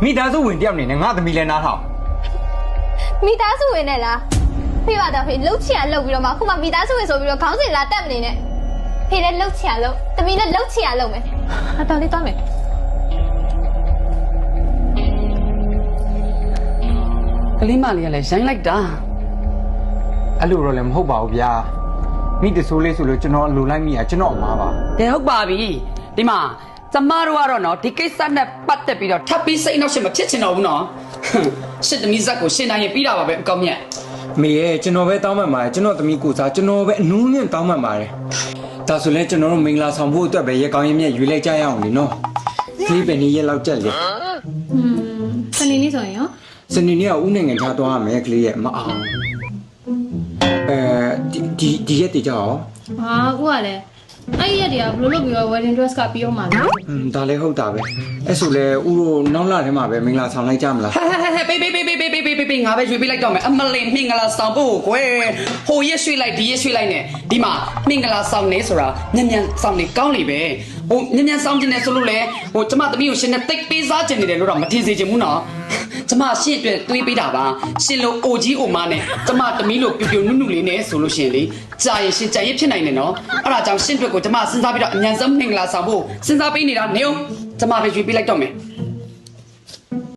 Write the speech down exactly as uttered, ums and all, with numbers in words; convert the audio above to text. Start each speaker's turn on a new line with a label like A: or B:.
A: မိသားစုဝင်တယောက်နေနဲ့ငါသမီးလည်းနားထောင်
B: မိသားစုဝင်နဲ့လားဖေပါတော့ဖေလှုပ်ချင်ရလှုပ်ပြီးတော့မှခုမှမိသားစုဝင်ဆိုပြီးတော့ခေါင်းစဉ်လာတက်မနေနဲ့ဖေလည်းလှုပ်ချင်ရလှုပ်သမီးလည်းလှုပ်ချင်ရလှုပ်မယ်အတော်လေးသွားမယ်
C: ကလေးမလေးကလည်းရိုင်းလိုက်တာ
A: အဲ့လိုတော့လည်းမဟုတ်ပါဘူးဗျာမိတဆိုးလေးဆိုလို့ကျွန်တော်အလိုလိုက်မိရကျွန်တော်အမားပါ
C: တယ်ဟုတ်ပါပြီဒီမှာကျမတို့ကတော့နော်ဒီကိစ္စနဲ့ပတ်သက်ပြီးတော့ထပ်ပြီးစိတ်နှောက်ရှက်မဖြစ်ချင်တော့ဘူးနော်ရှစ်သမီးဇက်ကိုရှင်းနိုင်ရင်ပြီးတာပါပဲအကောင်းမြတ်
A: မေရဲ့ကျွန်တော်ပဲတောင်းပန်ပါတယ်ကျွန်တော်သမီးကိုစားကျွန်တော်ပဲအနူးနဲ့တောင်းပန်ပါတယ်ဒါဆိုလဲကျွန်တော်တို့မင်္ဂလာဆောင်ဖို့အတွက်ပဲရေကောင်းရင်မြက်ရွေးလိုက်ကြရအောင်လေနော်ဒီပဲနေရက်လောက်ကြက်လေ
B: อืมစနေနေ့ဆိုရင်ရော
A: စနေနေ့ကဦးနိုင်ငံခြားသွားရမယ်ကလေးရဲ့မအောင်အဲဒီဒီရက်တည်ကြအောင်
B: ဟာဦးကလည်းအဲ့ရက်တည်းကဘလို့လုပ်ပြီးတော့ wedding dress ကပြီးအောင်ပါလား
A: อืมဒါလည်းဟုတ်တာပဲအဲ့ဆိုလဲဦးတို့နောက်လာထဲမှာပဲမင်္ဂလာဆောင်လိုက်ကြမလား
C: ဟဲဟဲဟဲပေးပေးပေးပေးပေးပေးပေးပေးငါပဲရွေးပေးလိုက်တော့မယ်အမလင်မင်္ဂလာဆောင်ဖို့ကွယ်ဟိုရက်ရွှေ့လိုက်ဒီရက်ရွှေ့လိုက်နဲ့ဒီမှာမင်္ဂလာဆောင်နေဆိုတာညံ့ညံ့ဆောင်နေကောင်းနေပဲဟိုညံ့ညံ့ဆောင်ကျင်နေဆိုလို့လေဟိုကျမသမီးကိုရှင်နဲ့တိတ်ပေးစားကျင်နေတယ်လို့တော့မထင်စေချင်ဘူးနော်ကျမရှင့်အတွက်တွေးပေးတာပါရှင်လို့အိုကြီးအိုမနဲ့ကျမသမီးလို့ပြူပြူနုနုလေးနဲ့ဆိုလို့ရှင်လေကြာရင်ရှင်ကြာရင်ဖြစ်နိုင်တယ်နော်အဲ့ဒါကြောင့်ရှင်အတွက်ကိုကျမစဉ်းစားပြီးတော့အញ្ញံဆုံးမင်္ဂလာဆောင်ဖို့စဉ်းစားပေးနေတာနေအောင်ကျမပဲရွေးပေးလိုက်တော့မယ်